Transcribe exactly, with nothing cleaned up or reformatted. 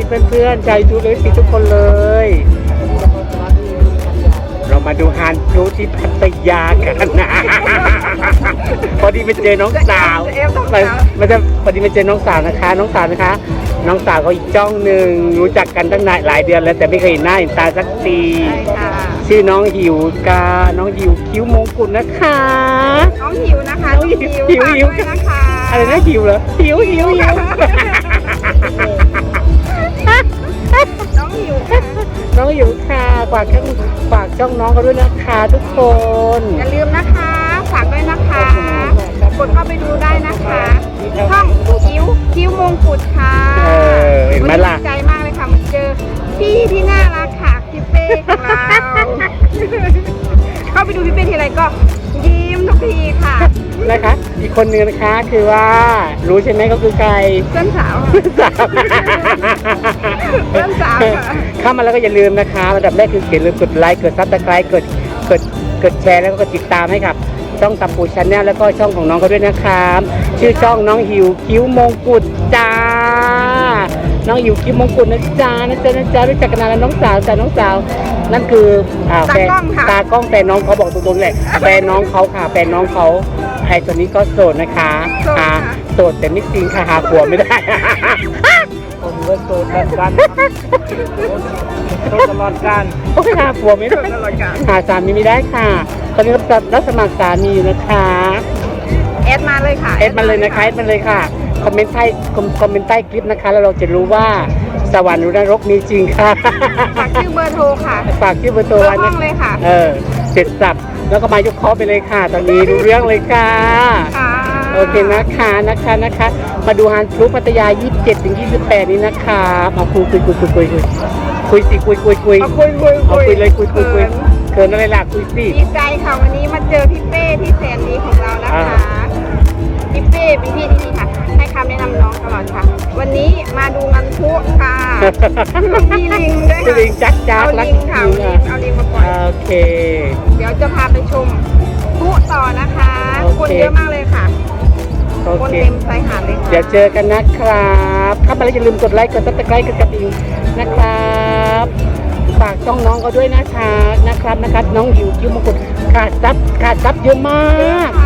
เพื่อนๆชาวยูทูบเลยทุกคนเลยเรามาดูฮานพลุที่พัทยากันนะพอดีไปเจอน้องสาวมันมันจะพอดีไปเจอน้องสาวนะคะ น้องสาวนะคะ น้องสาวเขาอีกจ้องหนึ่งรู้จักกันตั้งนานหลายเดือนแล้วแต่ไม่เคยเห็นหน้าเห็นตาสักทีชื่อน้องหิวกาน้องหิวคิ้วมงกุฎนะคะน้องหิวนะคะน้องหิวหิวหิวนะคะอะไรนะหิวเหรอหิวหิวหิวน้องหิวค่ะน้องหิวค่ะฝากช่องฝากช่องน้องเขาด้วยนะคะทุกคนอย่าลืมนะคะฝากด้วยนะคะกดเข้าไปดูได้นะคะช่องคิ้วคิ้วมงกุฎค่ะเออเห็นไหมล่ะดีใจมากเลยค่ะมาเจอพี่ที่น่ารักค่ะพี่เป้ของเราเข้าไปดูพี่เป้ทีไรก็ยิ้มทุกทีค่ะนะคะอีกคนนึงนะคะคือว่ารู้ใช่ไหมก็คือใครเพื่อนสาวเพื่อนสาวเพื่อนสาวเข้ามาแล้วก็อย่าลืมนะคะอันดับแรกคืออย่าลืมกดไลค์กดซับสไครต์กดกดกดแชร์แล้วก็กดติดตามให้กับช่องตับปูชาแนลแล้วก็ช่องของน้องเขาด้วยนะครับชื่อช่องน้องหิวคิ้วมงกุฎจ้าน้องหิวคิ้วมงกุฎนะจ๊ะนะจ๊ะนะจ๊ะรู้จักกันนานแล้วน้องสาวจ้าน้องสาวนั่นคืออ่าแฟนตากล้องแฟนน้องเขาบอกตรงๆเลยแฟนน้องเขาค่ะแฟนน้องเขาไอ้ตัวนี้ก็โสดนะคะอ่าโสดแต่ไม่จริงค่ะหาผัวไม่ได้ผมก็โสดแบบกันโสดตลอดการโอ้ยหาผัวไม่ได้หาสามีไม่ได้ค่ะตอนนี้รับสมัครสามีอยู่นะคะแอดมาเลยค่ะแอดมาเลยนะคะแอดมาเลยค่ะคอมเมนต์ใต้คอมเมนต์ใต้คลิปนะคะแล้วเราจะรู้ว่าสวรรค์หรือนรกมีจริงค่ะฝากชื่อเบอร์โทรค่ะฝากชื่อเบอร์โทรไว้นะเลยค่ะเออเสร็จสับแล้วก็มายกคอไปเลยค่ะตอนนี้รู้เรื่องเลยค่ะโอเคนะคะนะคะนะคะมาดูฮานพลุพัทยายี่สิบเจ็ดถึงยี่สิบแปดนี้นะคะมาคุยคุยคุยคุยคุยคุยคุยสิคุยคุยคุยคุยคุยคุยเลยคุยคุยคุยเกินอะไรล่ะคุยสิดีใจค่ะวันนี้มาเจอพี่เป้ที่แสนดีของเรานะคะพี่เป้เป็นพี่ที่ดีค่ะให้คำแนะนำน้องตลอดค่ะวันนี้มาดูงานพลุค่ะมีลิงด้วยค่ะลิงจักจักเอาลิงค่ะเอาลิงมาปล่อยโอเคเดี๋ยวจะพาไปชมพลุต่อนะคะคนเยอะมากเลยค่ะคนเต็มชายหาดเลยค่ะเดี๋ยวเจอกันนะครับเข้ามาแล้วอย่าลืมกดไลค์กดซับสไครต์กดกระดิ่งนะครับฝากช่องน้องเขาด้วยนะคะนะครับนะครับน้องหิวคิ้วมงกุฎขาดซับขาดซับเยอะมาก